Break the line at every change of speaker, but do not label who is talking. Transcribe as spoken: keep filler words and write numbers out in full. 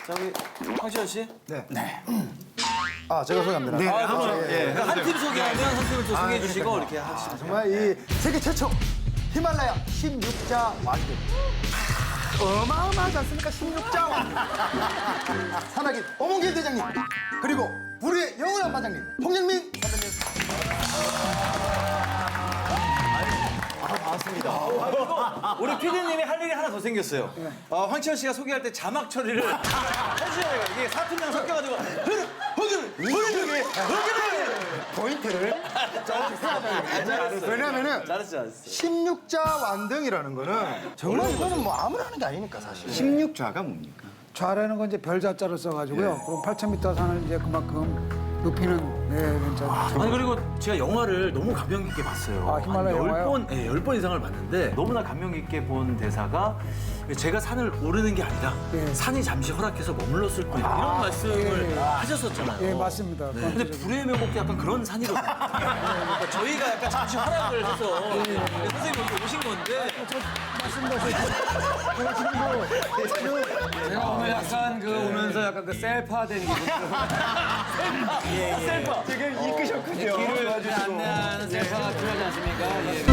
자, 우리 황시현 씨.
네. 아, 제가 소개합니다. 네.
아, 그렇죠. 예. 한 팀 소개하면 한 팀을 또 소개해 주시고 이렇게
아,
하시면
정말 이 세계 최초 히말라야 십육자 왕들. 어마어마하지 않습니까? 십육자 왕들. 산악인 오몽길 대장님. 그리고 불의의 영원한 마장님 홍영민 선배님.
우리 피디님이 할 일이 하나 더 생겼어요. 어, 황치현 씨가 소개할 때 자막 처리를 해주셔야 돼요. 이게 사투리랑 섞여가지고 흐르, 흐르, 흐르, 흐르,
포인트를 조금씩 세워줘야 돼요. 왜냐면은
잘했어, 잘했어.
십육자 완등이라는 거는 정말 이거는 뭐 아무나 하는 게 아니니까 사실.
십육좌가 뭡니까?
좌라는 건 이제 별자자로 써가지고요. 그럼 팔천 미터 산을 이제 그만큼 높이는 네, 괜찮아요.
아니 그리고 제가 영화를 너무 감명 깊게 봤어요.
아, 히말라야
한
영화요?
열 번, 예, 열 번 이상을 봤는데 너무나 감명 깊게 본 대사가 제가 산을 오르는 게 아니라
예.
산이 잠시 허락해서 머물렀을 뿐이다 이런 말씀을
예, 예.
하셨었잖아요.
예, 맞습니다.
네. 근데 불의의 명곡도 약간 그런 산이거든요. 그러니까 저희가 약간 잠시 허락을 해서 선생님 여기 오신 건데
제가 오늘 약간 그 오면서 약간 그 셀파된 기분.
셀파.
지금 이끄셨군요.
길을 안내하는 셀파가 필요하지 않습니까? 예.